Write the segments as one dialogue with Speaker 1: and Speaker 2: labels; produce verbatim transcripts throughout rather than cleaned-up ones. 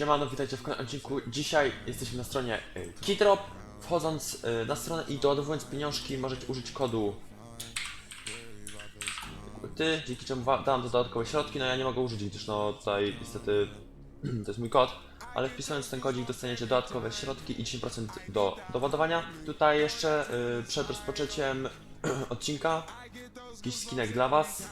Speaker 1: Siemano, witajcie w kolejnym odcinku. Dzisiaj jesteśmy na stronie Keydrop. Wchodząc na stronę i doładowując pieniążki możecie użyć kodu ty, dzięki czemu dam dodatkowe środki. No ja nie mogę użyć, gdyż no tutaj niestety to jest mój kod, ale wpisując ten kodzik dostaniecie dodatkowe środki i dziesięć procent do doładowania. Tutaj jeszcze yy, przed rozpoczęciem odcinka jakiś skinek dla was.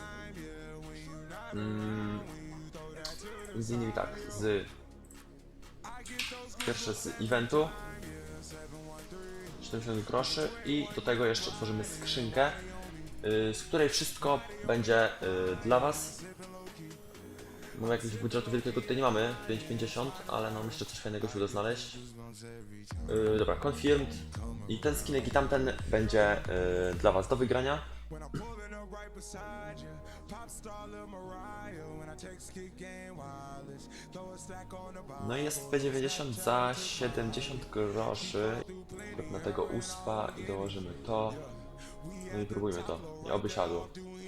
Speaker 1: Mm, między innymi tak, z pierwsze z eventu siedemdziesiąt groszy i do tego jeszcze otworzymy skrzynkę, yy, z której wszystko będzie yy, dla was. Mamy jakiegoś budżetu wielkiego tutaj nie mamy, pięć pięćdziesiąt, ale no myślę, że coś fajnego się uda znaleźć. Yy, dobra, confirmed. I ten skinek i tamten będzie yy, dla was do wygrania. No i jest P dziewięćdziesiąt za siedemdziesiąt groszy. Na tego uspa i dołożymy to. No i próbujmy to. I oby siadło.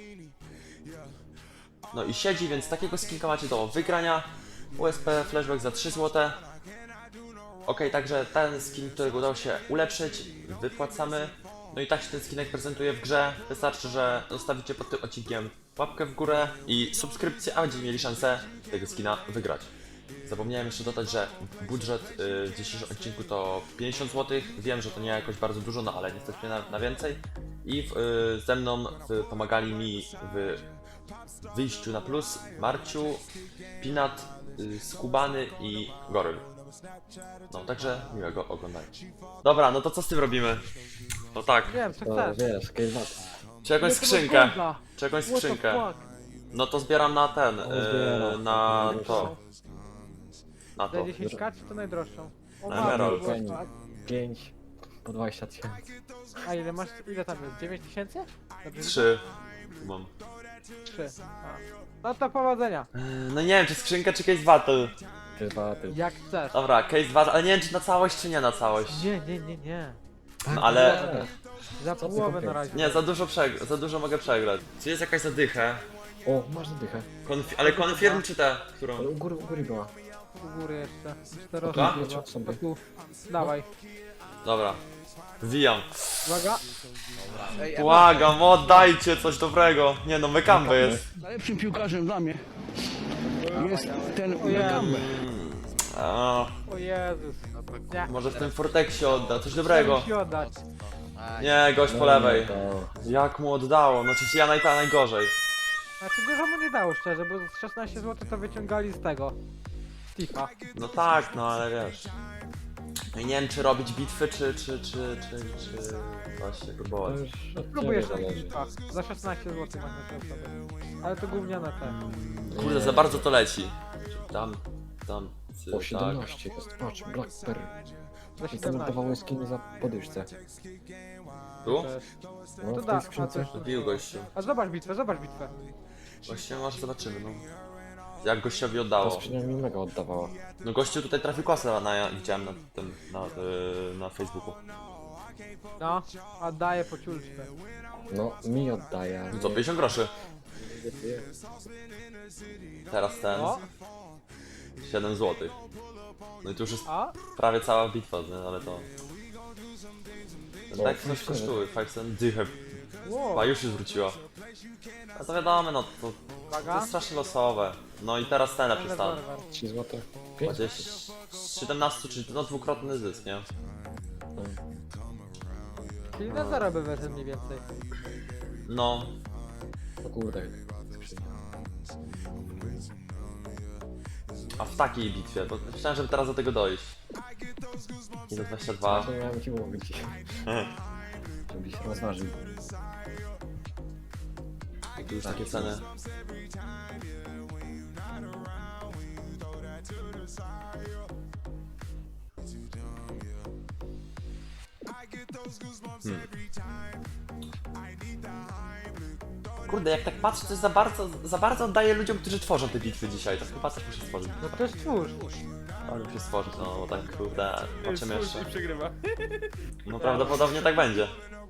Speaker 1: No i siedzi, więc takiego skinka macie do wygrania. U S P flashback za trzy złote. Ok, także ten skin, którego udało się ulepszyć, wypłacamy. No i tak się ten skinek prezentuje w grze. Wystarczy, że zostawicie pod tym odcinkiem łapkę w górę i subskrypcję, a będziecie mieli szansę tego skina wygrać. Zapomniałem jeszcze dodać, że budżet yy, w dzisiejszym odcinku to pięćdziesiąt złotych. Wiem, że to nie jakoś bardzo dużo, no ale niestety na, na więcej. I w, yy, ze mną w, pomagali mi w wyjściu na plus Marciu, Pinat, yy, Skubany i Goryl. No, także miłego oglądania. Dobra, no to co z tym robimy? No tak,
Speaker 2: Wiem, co
Speaker 3: To
Speaker 2: chcesz.
Speaker 3: wiesz, Kejvat.
Speaker 1: czy jakąś
Speaker 2: Nie, to była
Speaker 1: skrzynkę,
Speaker 2: bomba.
Speaker 1: czy jakąś
Speaker 2: What the
Speaker 1: skrzynkę.
Speaker 2: fuck?
Speaker 1: No to zbieram na ten,
Speaker 3: O,
Speaker 1: yy,
Speaker 3: zbieram.
Speaker 1: na
Speaker 3: Najdroższą.
Speaker 1: to, na
Speaker 2: Za
Speaker 1: to.
Speaker 2: dziesięć ka czy to najdroższą? O,
Speaker 1: Na
Speaker 2: matko,
Speaker 1: Emerald.
Speaker 2: było tak.
Speaker 3: pięć po dwadzieścia tysięcy.
Speaker 2: A ile masz, ile tam jest? dziewięć tysięcy? Dobrze
Speaker 1: Trzy. Tu mam.
Speaker 2: widzę? trzy. A. No to powodzenia.
Speaker 1: Yy, No nie wiem, czy skrzynka, czy case battle.
Speaker 3: Chyba ty.
Speaker 2: Jak chcesz.
Speaker 1: Dobra, case battle, ale nie wiem, czy na całość, czy nie na całość.
Speaker 2: Nie, nie, nie, nie.
Speaker 1: No ale...
Speaker 2: Za
Speaker 3: Co ty
Speaker 2: połowę
Speaker 3: kupiłeś?
Speaker 2: na razie.
Speaker 1: Nie, za dużo przegrać, za dużo mogę przegrać. Czy jest jakaś zadycha?
Speaker 3: O, masz zadychę.
Speaker 1: Konfi ale confirm czy te, którą?
Speaker 3: Ale u góry, u góry była.
Speaker 2: U góry jeszcze. Czterości
Speaker 1: Dobra?
Speaker 2: chyba.
Speaker 3: Sobie.
Speaker 2: O tu. Dawaj.
Speaker 1: Dobra. Wbijam.
Speaker 2: Uwaga.
Speaker 1: Błagam, oddajcie coś dobrego. Nie no, Mekambe jest.
Speaker 4: Najlepszym piłkarzem dla mnie jest ten
Speaker 2: Ojej.
Speaker 4: Mekambe.
Speaker 1: A,
Speaker 2: O Jezus. Nie.
Speaker 1: może w tym Fortexie odda, coś dobrego.
Speaker 2: Musi oddać.
Speaker 1: Nie, gość po lewej.
Speaker 3: To...
Speaker 1: Jak mu oddało, no czy ja naj najgorzej.
Speaker 2: Znaczy dużo mu nie dało szczerze, bo z szesnaście złotych to wyciągali z tego. Tifa.
Speaker 1: No tak, no ale wiesz. No i nie wiem, czy robić bitwy, czy, czy, czy, czy, czy właśnie
Speaker 3: To
Speaker 1: próbować.
Speaker 3: już od
Speaker 2: Próbujesz
Speaker 3: ciebie
Speaker 2: na
Speaker 3: zależy.
Speaker 2: Tifa. Za szesnaście złotych mamy to sobie. Ale to gówniane te.
Speaker 1: Kurde, za bardzo to leci. Tam, tam,
Speaker 3: O,
Speaker 1: tak.
Speaker 3: siedemnaście jest, patrz, Blackberry.
Speaker 2: Za
Speaker 3: I to
Speaker 2: siedemnaście.
Speaker 3: dawały skiny za podyszce.
Speaker 1: Tu?
Speaker 2: Też.
Speaker 3: No,
Speaker 2: To
Speaker 3: w
Speaker 2: da,
Speaker 3: tej
Speaker 2: a
Speaker 3: skrzynce.
Speaker 2: to-
Speaker 1: Wbił gościu.
Speaker 2: A zobacz bitwę, zobacz bitwę.
Speaker 1: Właśnie może zobaczymy, no. Jak gościowi
Speaker 3: Ta
Speaker 1: oddało.
Speaker 3: skrzynia mi mega oddawała.
Speaker 1: No gościu tutaj trafił kosę na, ja widziałem na tym, na, yy, na Facebooku.
Speaker 2: No, a daje po ciulczkę.
Speaker 3: No, mi oddaje.
Speaker 1: Co, pięćdziesiąt groszy. Teraz ten,
Speaker 2: O,
Speaker 1: siedem złotych. No i tu już jest
Speaker 2: a?
Speaker 1: prawie cała bitwa, nie? Ale to...
Speaker 3: O,
Speaker 1: Tak coś
Speaker 3: pięć
Speaker 1: kosztuje, five cent dychę.
Speaker 2: Wow.
Speaker 1: A już się zwróciła. A to wiadomo, no to, to
Speaker 2: Uwaga.
Speaker 1: jest strasznie losowe. No i teraz ten lepszy stan.
Speaker 3: trzy złote. pięć.
Speaker 1: Gdzieś z siedemnaście, czyli no dwukrotny zysk, nie?
Speaker 2: Czyli na zero by weszł mniej więcej.
Speaker 1: No,
Speaker 3: O kurde, skrzynia.
Speaker 1: a w takiej bitwie, bo myślałem, żeby teraz do tego dojść. I do dwadzieścia dwa.
Speaker 3: Właśnie miałem ci mówić. Żebyś rozważył.
Speaker 1: I tu już takie ceny. Hmm. Kurde, jak tak patrzę, to jest za bardzo, za bardzo oddaję ludziom, którzy tworzą te bitwy dzisiaj. To chyba też muszę stworzyć.
Speaker 2: No to jest twórz.
Speaker 1: Ale muszę stworzyć, no bo tak kurde, patrzymy jeszcze.
Speaker 2: przegrywa.
Speaker 1: No prawdopodobnie tak będzie.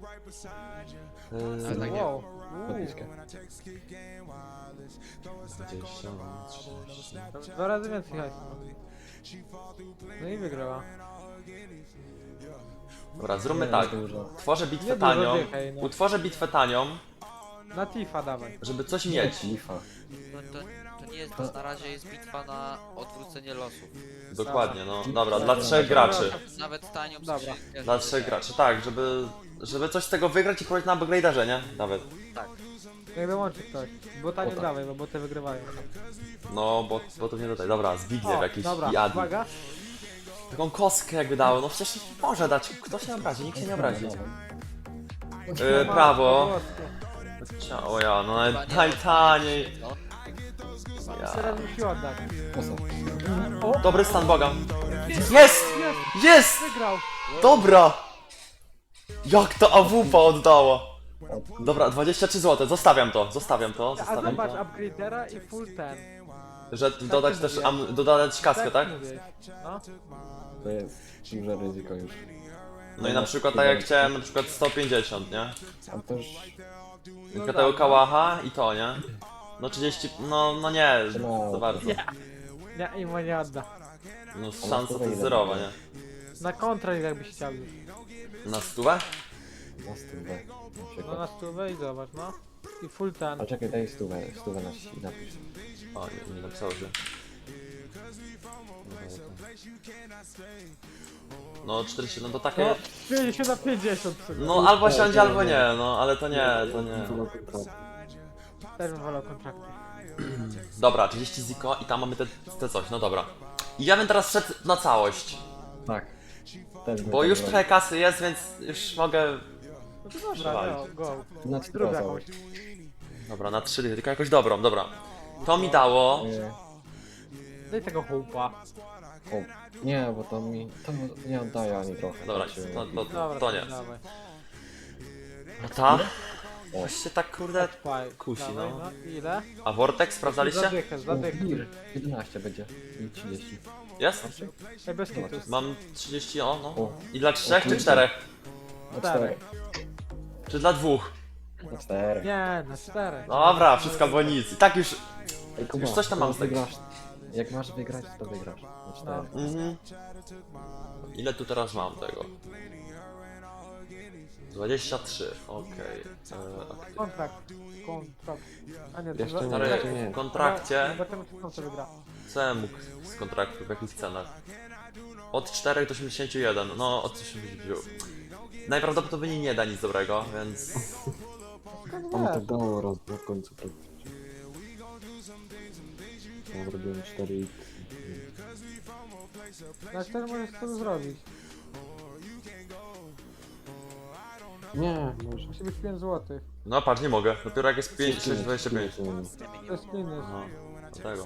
Speaker 3: Ale tak nie.
Speaker 2: Wow. Uuu.
Speaker 3: Podpiskę.
Speaker 1: dwadzieścia, trzydzieści.
Speaker 2: Dwa razy więcej hajsu. No i wygrała.
Speaker 1: Dobra, zróbmy
Speaker 3: Nie,
Speaker 1: tak.
Speaker 3: dużo.
Speaker 1: Tworzę bitwę
Speaker 2: Nie dużo
Speaker 1: tanią.
Speaker 2: dychaj, no.
Speaker 1: Utworzę bitwę tanią,
Speaker 2: Na Tifa dawaj.
Speaker 1: żeby coś mieć.
Speaker 3: Lifa.
Speaker 5: No to, to nie jest, to na razie jest bitwa na odwrócenie losów.
Speaker 1: Dokładnie, no. Dobra,
Speaker 3: Dobra,
Speaker 1: dla
Speaker 3: dobra.
Speaker 1: trzech graczy.
Speaker 5: Nawet tanią
Speaker 2: Dobra.
Speaker 5: skrzynkę,
Speaker 1: Dla
Speaker 5: żeby
Speaker 1: trzech
Speaker 5: tak.
Speaker 1: graczy, tak, żeby, żeby coś z tego wygrać i próbować na upgraderze, nie? Nawet.
Speaker 5: Tak.
Speaker 2: Jak dołączy ktoś. Bo tanie
Speaker 3: O, tak.
Speaker 2: dawaj, bo boty wygrywają.
Speaker 1: No, bo, bo to nie tutaj. Dobra, Zbigniew
Speaker 2: O,
Speaker 1: jakiś
Speaker 2: dobra,
Speaker 1: i Adi.
Speaker 2: uwaga.
Speaker 1: Taką kostkę jakby dało, no przecież może dać. Kto się obrazi? Nikt się nie obrazi. Yy, prawo. O ja, no
Speaker 5: Chyba
Speaker 1: naj,
Speaker 5: nie
Speaker 1: najtaniej.
Speaker 5: No.
Speaker 1: Ja.
Speaker 2: Teraz musi oddać.
Speaker 3: Osa.
Speaker 1: Dobry stan Boga. Jest! Jest!
Speaker 2: Wygrał.
Speaker 1: Dobra! Jak to A W P oddała? Dobra, dwadzieścia trzy złote, zostawiam to, zostawiam to,
Speaker 2: A
Speaker 1: zostawiam
Speaker 2: zobacz,
Speaker 1: to.
Speaker 2: upgradera i full ten.
Speaker 1: Że dodać też, am, dodać kaskę, tak?
Speaker 2: mówiłeś. No.
Speaker 3: To jest duże ryzyko już.
Speaker 1: No i na przykład tak jak chciałem, na przykład sto pięćdziesiąt, nie?
Speaker 3: A też
Speaker 1: Tylko tego kałacha i to, nie? No trzydzieści, no, no nie, za bardzo.
Speaker 2: Nie, i mu nie odda.
Speaker 1: No szansa to jest zerowa, nie?
Speaker 2: Na kontrakt jakbyś chciał już.
Speaker 1: Na stówę?
Speaker 3: na stówę. Na
Speaker 2: No
Speaker 3: przykład.
Speaker 2: na stówę i zobacz, no. I full ten.
Speaker 3: A czekaj, daj stówę, stówę na si, napisz.
Speaker 1: O, nie, nie napisało się. No czterdzieści, no to takie...
Speaker 2: No, pięćdziesiąt na pięćdziesiąt sobie.
Speaker 1: No albo siądzie, albo nie, no ale to nie, to nie.
Speaker 2: Też bym wolał kontrakty.
Speaker 1: Dobra, trzydzieści ziko i tam mamy te, te coś, no dobra. I ja bym teraz szedł na całość,
Speaker 3: Tak. Też bym
Speaker 1: bo
Speaker 3: tak
Speaker 1: już
Speaker 3: zrobił.
Speaker 1: trochę kasy jest, więc już mogę...
Speaker 2: No to dobra,
Speaker 1: Przewalić.
Speaker 2: no, go.
Speaker 3: Na
Speaker 2: Zrób
Speaker 3: cztery
Speaker 2: jakąś.
Speaker 1: Dobra, na trzy dychy, tylko jakąś dobrą, dobra. To mi dało...
Speaker 3: Nie,
Speaker 2: Daj tego hołpa.
Speaker 3: o, nie, bo to mi, to nie oddaje ani trochę.
Speaker 1: Dobra,
Speaker 3: tak się-
Speaker 1: to, to,
Speaker 2: Dobra,
Speaker 1: to nie.
Speaker 2: Dawaj.
Speaker 1: No ta? Właśnie tak kurde...
Speaker 2: Faj.
Speaker 1: Kusi,
Speaker 2: Dawaj,
Speaker 1: no.
Speaker 2: no. Ile?
Speaker 1: A Vortex sprawdzaliście?
Speaker 2: Zadychę,
Speaker 3: O,
Speaker 2: zadychę.
Speaker 3: wir, jedenaście będzie i trzydzieści.
Speaker 1: Jest?
Speaker 2: Ej, bez kitu.
Speaker 1: Mam trzydzieści, o no.
Speaker 3: O,
Speaker 1: I dla trzech czy
Speaker 3: kurde.
Speaker 1: czterech?
Speaker 3: na
Speaker 2: Cztery.
Speaker 3: cztery.
Speaker 1: Czy dla dwóch?
Speaker 3: Na cztery.
Speaker 2: Nie, na cztery.
Speaker 1: Dobra, wszystko albo nic. I tak już...
Speaker 3: Ej, Kuba,
Speaker 1: Już coś tam
Speaker 3: jak
Speaker 1: mam z tego.
Speaker 3: wygrasz, jak masz wygrać, to wygrasz. Na cztery.
Speaker 1: Mhm. Ile tu teraz mam tego? dwadzieścia trzy, okej. Okay.
Speaker 2: Kontrakt. Kontrakt. A nie, to
Speaker 3: Jeszcze
Speaker 2: za-
Speaker 3: nie,
Speaker 1: Stary,
Speaker 3: jeszcze nie.
Speaker 1: w kontrakcie...
Speaker 2: Zobaczymy, czy kto wygra.
Speaker 1: Co ja mógł z kontraktu, w jakich cenach? Od czterech do osiemdziesięciu jeden, no od osiemdziesięciu. Najprawdopodobniej nie da nic dobrego, więc...
Speaker 3: On tak dało raz na końcu praktycznie. Ja zrobiłem cztery i...
Speaker 2: Na cztery możesz to zrobić.
Speaker 3: Nie, może...
Speaker 2: Musi być pięć złotych.
Speaker 1: No patrz, nie mogę, dopiero jak jest pięć, sześć, dwadzieścia pięć.
Speaker 2: To jest minus.
Speaker 1: No, dlatego.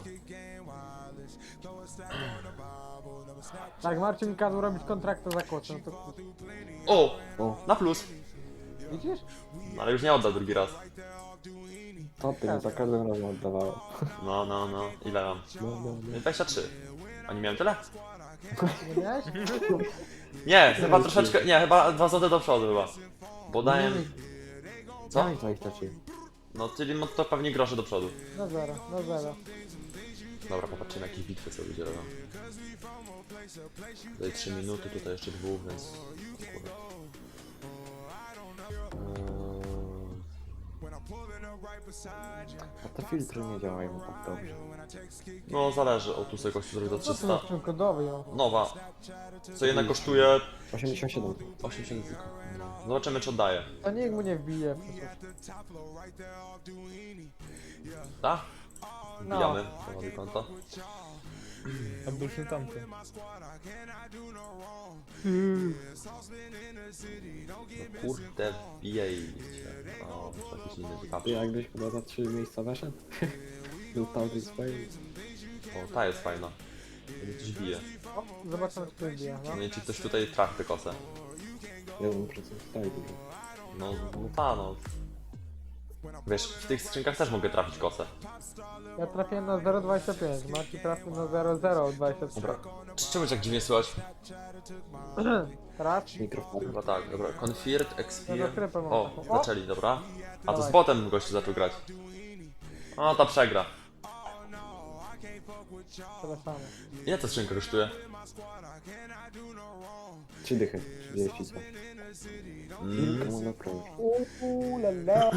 Speaker 2: Tak, Marcin mi kazał robić kontrakt za kłopot, no to
Speaker 1: O!
Speaker 3: O,
Speaker 1: Na plus!
Speaker 2: widzisz?
Speaker 1: No, ale już nie odda drugi raz.
Speaker 3: to ty mi za każdym razem oddawało.
Speaker 1: No, no, no. Ile mam?
Speaker 3: No, no, no.
Speaker 1: dwadzieścia trzy. A nie miałem tyle?
Speaker 2: Nie miałeś?
Speaker 1: Nie, chyba troszeczkę, nie, chyba dwa złote do przodu chyba. Bo dałem... Co?
Speaker 3: Daj dwadzieścia trzy.
Speaker 1: No, czyli no to pewnie grosze do przodu.
Speaker 2: Na zero, na zero.
Speaker 1: Dobra, popatrzymy jakie bitwy sobie ludzie robią. Tutaj trzy minuty, tutaj jeszcze dwóch, więc... Kurde. Eee,
Speaker 3: A te filtry nie działają tak dobrze.
Speaker 1: No, zależy. O, tu sobie gościu zrobi za
Speaker 2: Co tu
Speaker 1: trzysta.
Speaker 2: masz w tym kodowy, ją?
Speaker 1: Nowa. Co jednak kosztuje
Speaker 3: osiemdziesiąt siedem.
Speaker 1: osiemdziesiąt tylko. Zobaczymy czy oddaje.
Speaker 2: To nikt mu nie wbije przecież.
Speaker 1: Tak?
Speaker 2: No.
Speaker 1: Wbijamy. Prowadzi konto.
Speaker 2: A był się tamten.
Speaker 1: No kurde, wbijajcie. O, to jakiś inny
Speaker 3: Ty
Speaker 1: ciekawszy.
Speaker 3: jakbyś chyba za trzy miejsca weszedł? Był tam tej swojej.
Speaker 1: O, ta jest fajna. Będzie coś bije.
Speaker 2: O, zobaczymy, czy to wbije, no.
Speaker 1: No i czy ktoś tutaj trafi tę kosę.
Speaker 3: jeden procent tak dużo.
Speaker 1: No, no ta no. Wiesz, w tych skrzynkach też mogę trafić kosę.
Speaker 2: Ja trafiłem na zero przecinek dwadzieścia pięć, Marcin trafił na zero przecinek zero dwadzieścia trzy.
Speaker 1: Dobra. Czy czemu tak dziwnie słychać?
Speaker 2: Raz.
Speaker 3: Mikrofon.
Speaker 1: Chyba tak, dobra. Confirmed,
Speaker 2: Ja
Speaker 1: Expire.
Speaker 2: za sklepem mam
Speaker 1: O,
Speaker 2: taką. O!
Speaker 1: zaczęli, dobra. A to z
Speaker 2: Dawaj.
Speaker 1: botem gościu zaczął grać. O, ta przegra.
Speaker 2: Tyle samo.
Speaker 1: Ile ta skrzynka kosztuje?
Speaker 3: Trzy dychy, trzydzieści co.
Speaker 1: Mm.
Speaker 3: Kilka można prawie.
Speaker 2: Uuu, lala.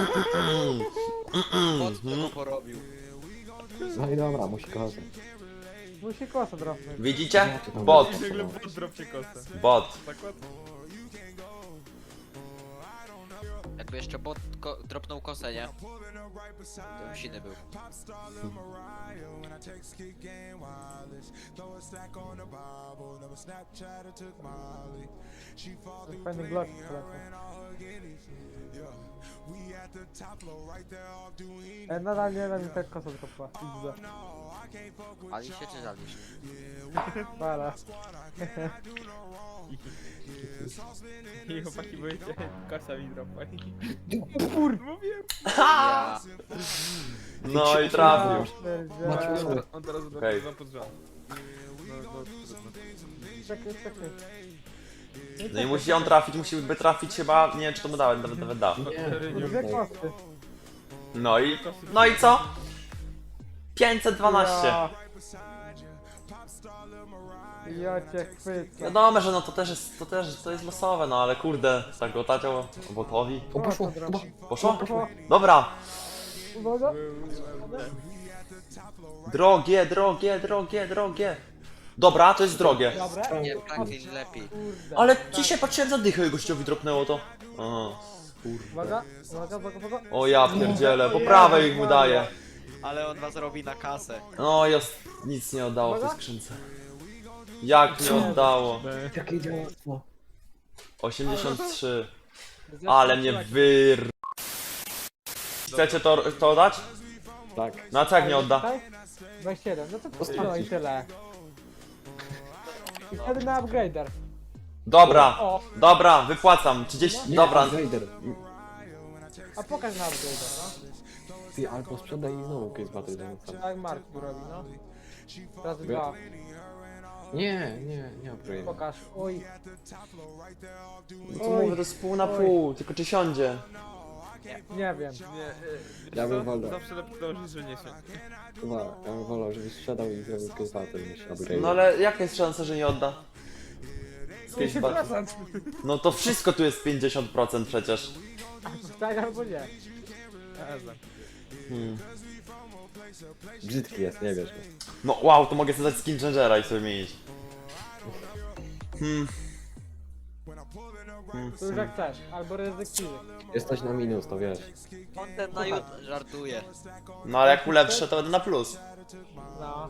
Speaker 5: Bot tego porobił.
Speaker 3: No i dobra, musi kochać.
Speaker 2: Musi kosę dropnąć.
Speaker 1: Widzicie? Bot.
Speaker 6: Dropcie kosę.
Speaker 1: Bot.
Speaker 6: Zakład?
Speaker 5: Jakby jeszcze bot ko dropnął kosę, nie? To już inny był.
Speaker 2: Fajny glock w plecy. E, nadal nie wiem, mi tak kosa dropła. Widzę.
Speaker 5: Ali się czy żalisz?
Speaker 2: Bala.
Speaker 6: I chłopaki boicie, kosa mi dropa.
Speaker 2: Kur...
Speaker 6: Mówiłem.
Speaker 5: Ja.
Speaker 1: No i trafił.
Speaker 3: Macie
Speaker 2: Pierdziele.
Speaker 3: sobie.
Speaker 6: On teraz do
Speaker 1: Okej.
Speaker 6: okay. pod rząd. No, no, trudno.
Speaker 2: Czekaj, czekaj.
Speaker 1: No i musi on trafić, musiałby trafić chyba, nie wiem czy to mu dałem, nawet nawet da.
Speaker 3: Nie,
Speaker 2: Dwie kosy.
Speaker 1: No i, no i co? pięćset dwanaście.
Speaker 2: Ja. Ja cię chwycę.
Speaker 1: Wiadomo, że no to też jest, to też, to jest losowe, no ale kurde, tak go taciał botowi.
Speaker 3: O, poszło,
Speaker 2: Kosa
Speaker 3: chyba.
Speaker 2: drop.
Speaker 1: Poszło?
Speaker 2: Poszło.
Speaker 1: Dobra.
Speaker 2: Uwaga.
Speaker 1: Drogie, drogie, drogie, drogie. Dobra, to jest drogie.
Speaker 2: Dobra.
Speaker 5: Nie, Franklin lepiej.
Speaker 2: Kurde.
Speaker 1: Ale dzisiaj patrzyłem za dychę i gościowi dropnęło to. Aha, kurwa.
Speaker 2: Uwaga, uwaga, uwaga, uwaga.
Speaker 1: O ja pierdzielę, po prawej ich mu daje.
Speaker 5: Ale on was robi na kasę.
Speaker 1: No jest, nic nie oddało w tej skrzynce. Jak nie oddało?
Speaker 3: Jakie dziadostwo.
Speaker 1: osiemdziesiąt trzy. Ale mnie wyr... Chcecie to, to dać?
Speaker 3: Tak.
Speaker 1: No a co jak nie odda?
Speaker 2: dwadzieścia jeden, no to
Speaker 3: Ostatni.
Speaker 2: no i tyle. I wtedy na upgrader.
Speaker 1: Dobra,
Speaker 2: O,
Speaker 1: dobra, wypłacam. trzydzieści,
Speaker 3: Nie,
Speaker 1: dobra.
Speaker 3: Raider.
Speaker 2: a pokaż na upgrader, no.
Speaker 3: Ty albo sprzedaj i znowu case battle zamykam.
Speaker 2: Tak Mark tu robi, no. Razy dwa.
Speaker 3: Nie, nie, nie upgrade.
Speaker 2: Pokaż. Oj,
Speaker 1: No to mówię, to jest pół na pół, tylko czy siądzie?
Speaker 2: nie wiem.
Speaker 6: Nie, y,
Speaker 3: Ja
Speaker 6: wiesz
Speaker 3: bym
Speaker 6: co?
Speaker 3: wolał.
Speaker 6: Zawsze lepiej dążyć, że nie się.
Speaker 3: Chyba, ja bym wolał, żebyś sprzedał i zrobił case battle niż upgrade.
Speaker 1: No ale jaka jest szansa, że nie odda? Z
Speaker 2: pięćdziesiąt
Speaker 1: case battle.
Speaker 2: procent.
Speaker 1: No to wszystko tu jest pięćdziesiąt procent przecież.
Speaker 2: Tak albo nie.
Speaker 6: Ja znam.
Speaker 1: Hmm.
Speaker 3: Brzydki jest, nie wiesz.
Speaker 1: No wow, to mogę sobie dać skin changera i sobie mieć. Hmm. Hmm.
Speaker 2: To już jak chcesz. Albo rezyktywy.
Speaker 3: Jesteś na minus, to wiesz.
Speaker 5: Content na YouTube żartuje.
Speaker 1: No ale jak ulepszę, to będę na plus.
Speaker 2: No.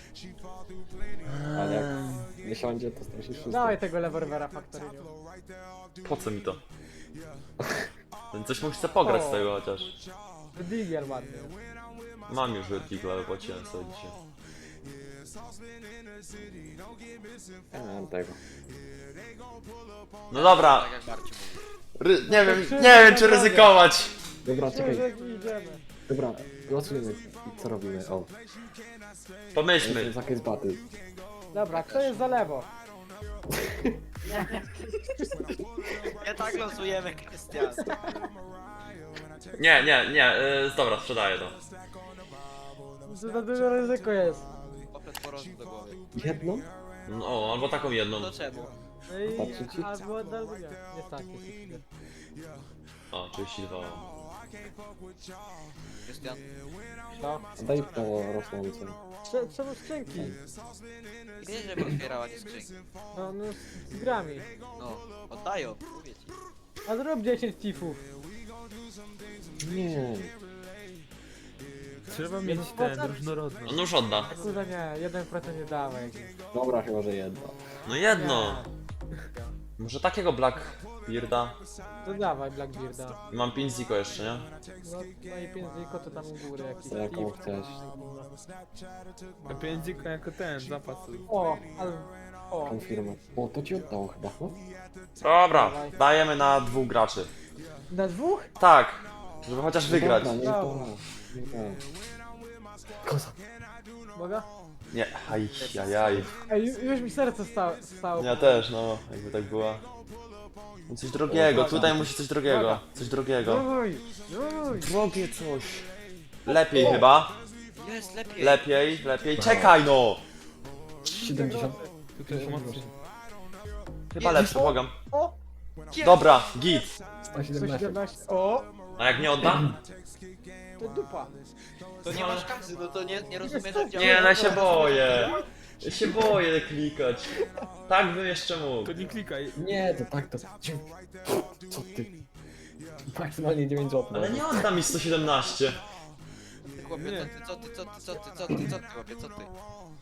Speaker 3: Ale jak nie siądzie, to stracisz wszystko.
Speaker 2: Dawaj tego lewerwera Factoryniu.
Speaker 1: Po co mi to? Ten coś mu chce pograć z tego chociaż.
Speaker 2: Digier ładny.
Speaker 1: Mam już Vertigo, ale płaciłem sobie dzisiaj.
Speaker 3: Ja mam tego.
Speaker 1: No dobra,
Speaker 5: Tak jak Barciu mówi.
Speaker 1: ry nie wiem, nie wiem czy ryzykować.
Speaker 3: Dobra, czekaj.
Speaker 2: Czekaj. Idziemy.
Speaker 3: Dobra, głosujemy. Co robimy? O,
Speaker 1: Pomyślmy.
Speaker 3: jestem za case battle.
Speaker 2: Dobra, kto jest za lewo?
Speaker 5: Nie tak losujemy, Krystian.
Speaker 1: Nie, nie, nie, yy, dobra, sprzedaję to.
Speaker 2: Co za duże ryzyko jest.
Speaker 5: Poprzez porostu do głowy.
Speaker 3: Jedno?
Speaker 1: No, albo taką jedną.
Speaker 5: No czemu?
Speaker 2: No i...
Speaker 3: Wystarczy ci?
Speaker 2: Albo, albo nie. Nie stać.
Speaker 1: O, trzydzieści dwa.
Speaker 5: Krystian?
Speaker 2: No.
Speaker 3: Daj to rosnące.
Speaker 2: Trze- Czemu skrzynki?
Speaker 5: Wiesz, żeby otwierała nie skrzynki.
Speaker 2: No, no z grami.
Speaker 5: No, oddają, mówię ci.
Speaker 2: A zrób dziesięć tifów.
Speaker 3: Nie.
Speaker 6: Trzeba mieć
Speaker 2: Jeden
Speaker 6: ten
Speaker 2: procent?
Speaker 6: różnorodność.
Speaker 1: On już odda.
Speaker 2: Kurde nie, jeden procent nie dałeś.
Speaker 3: Dobra, chyba, że jedno.
Speaker 1: No jedno. Może takiego Blackbearda?
Speaker 2: To dawaj Blackbearda.
Speaker 1: Mam pięć ziko jeszcze, nie?
Speaker 2: No, no i pięć ziko to tam u góry jakiś
Speaker 3: To jaką
Speaker 2: Steve.
Speaker 3: chcesz?
Speaker 6: A pięćdziko jako ten, zapas.
Speaker 2: O, ale... O,
Speaker 3: Konfirmat. O, to ci oddało chyba, no?
Speaker 1: Dobra, dajemy na dwóch graczy.
Speaker 2: na dwóch?
Speaker 1: Tak, żeby chociaż wygrać.
Speaker 3: Dobra, nie
Speaker 2: Dobra.
Speaker 3: to. Nie to. Koza.
Speaker 2: Mogę?
Speaker 1: Nie, aj, aj, aj.
Speaker 2: Ej, ju- już mi serce stało. stało.
Speaker 1: Ja też, no, jakby tak była. No coś drogiego, tutaj musi coś drogiego. Coś drogiego.
Speaker 2: Uj, uj.
Speaker 1: Drogie coś. Lepiej chyba.
Speaker 5: Jest, lepiej.
Speaker 1: Lepiej, lepiej. Czekaj no!
Speaker 3: siedemdziesiąt.
Speaker 6: Tutaj się mocno.
Speaker 1: Chyba lepszy, błagam.
Speaker 2: O!
Speaker 1: Dobra, git.
Speaker 3: sto siedemnaście.
Speaker 2: sto siedemnaście. O!
Speaker 1: A jak nie oddam?
Speaker 2: To dupa.
Speaker 5: To nie masz kasy, no to nie, nie rozumiesz, że działa.
Speaker 1: Nie, no ja się boję. Ja się boję klikać. Tak bym jeszcze mógł.
Speaker 6: To nie klikaj.
Speaker 3: Nie, to tak, to... Co ty? Maksymalnie dziewięć złotych.
Speaker 1: Ale nie odda mi sto siedemnaście.
Speaker 5: Chłopie, co ty, co ty, co ty, co ty, co ty, co ty, chłopie, co ty?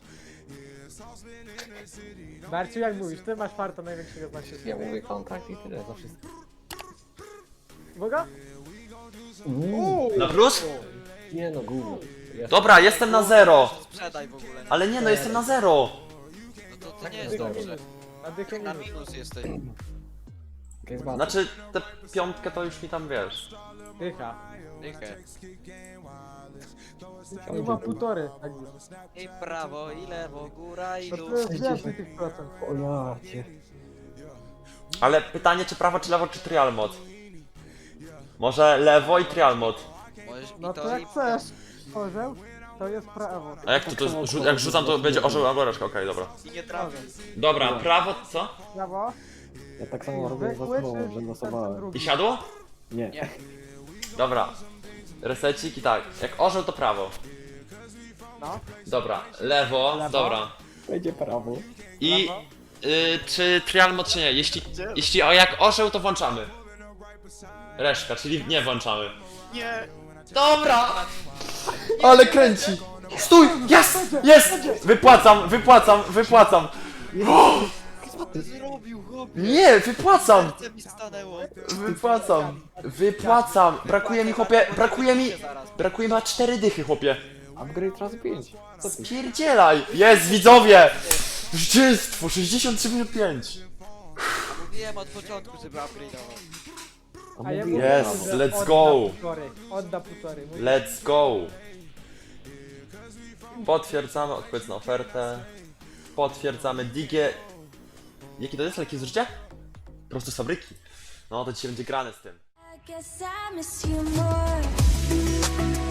Speaker 2: Barciu, jak mówisz, ty masz farta największego na
Speaker 3: Ja
Speaker 2: świecie.
Speaker 3: mówię kontrakt i tyle, za wszystko.
Speaker 2: Uwaga!
Speaker 3: Uuu,
Speaker 1: Na plus?
Speaker 3: nie no, gówno. Ja
Speaker 1: Dobra, jestem na zero.
Speaker 5: Sprzedaj w ogóle. No,
Speaker 1: Ale nie no, jestem na zero.
Speaker 5: no to, to nie jest dobrze.
Speaker 2: Na dychę
Speaker 5: Na
Speaker 2: minus.
Speaker 5: minus jesteś.
Speaker 3: Case battle.
Speaker 1: Znaczy, tę piątkę to już mi tam wiesz.
Speaker 2: Dycha.
Speaker 5: Dychę.
Speaker 2: Nie ma półtory. Tak już.
Speaker 5: I prawo, i lewo, góra, i
Speaker 2: To
Speaker 5: dół.
Speaker 2: to jest więcej tych procent.
Speaker 3: O ja cię.
Speaker 1: Ale pytanie, czy prawo, czy lewo, czy trial mod? Może lewo i trial mod.
Speaker 5: Możesz mi
Speaker 2: No
Speaker 5: to
Speaker 2: to jak
Speaker 5: i...
Speaker 2: chcesz. Orzeł, to jest prawo.
Speaker 1: A jak to, to rzu jak rzucam, to będzie orzeł albo reszka, okej, dobra.
Speaker 5: I nie trafisz.
Speaker 1: Dobra, prawo, co?
Speaker 2: Prawo.
Speaker 3: Ja tak samo robię za
Speaker 2: Zwykły
Speaker 3: sobą,
Speaker 2: czy
Speaker 3: że
Speaker 2: ten
Speaker 3: losowałem.
Speaker 1: I
Speaker 2: drugi?
Speaker 1: siadło?
Speaker 3: Nie.
Speaker 5: Nie.
Speaker 1: Dobra. Resecik i tak. Jak orzeł, to prawo.
Speaker 2: No.
Speaker 1: Dobra, lewo,
Speaker 2: Lewo.
Speaker 1: dobra.
Speaker 3: Będzie prawo.
Speaker 1: I
Speaker 2: Prawo.
Speaker 1: y, czy trial mod, czy nie? Jeśli, jeśli o, jak orzeł, to włączamy. Reszka, czyli nie włączamy.
Speaker 5: Nie.
Speaker 1: Dobra! Ale kręci! Stój! Jest! Jest! Wypłacam, wypłacam, wypłacam!
Speaker 5: Co ty zrobił, chłopie?
Speaker 1: Nie, wypłacam!
Speaker 5: Serce mi stanęło.
Speaker 1: Wypłacam! Wypłacam! Brakuje mi, chłopie, brakuje mi... Brakuje mi na cztery dychy, chłopie.
Speaker 3: Upgrade razy pięć. Co ty?
Speaker 1: Spierdzielaj! Jest, widzowie! Zwycięstwo! sześćdziesiąt trzy minut pięć.
Speaker 5: Mówiłem od początku, żeby upgrade'ował.
Speaker 2: A ja
Speaker 3: mówiłem,
Speaker 1: Yes,
Speaker 2: mówię, że
Speaker 1: let's
Speaker 2: odda
Speaker 1: go.
Speaker 2: półtorej. Odda półtorej. Mówię,
Speaker 1: Let's go! Potwierdzamy odpowiedź na ofertę. Potwierdzamy digie. Jaki to jest leki zużycia? Prosto z fabryki. No to dzisiaj będzie grane z tym.
Speaker 7: I guess I miss you more.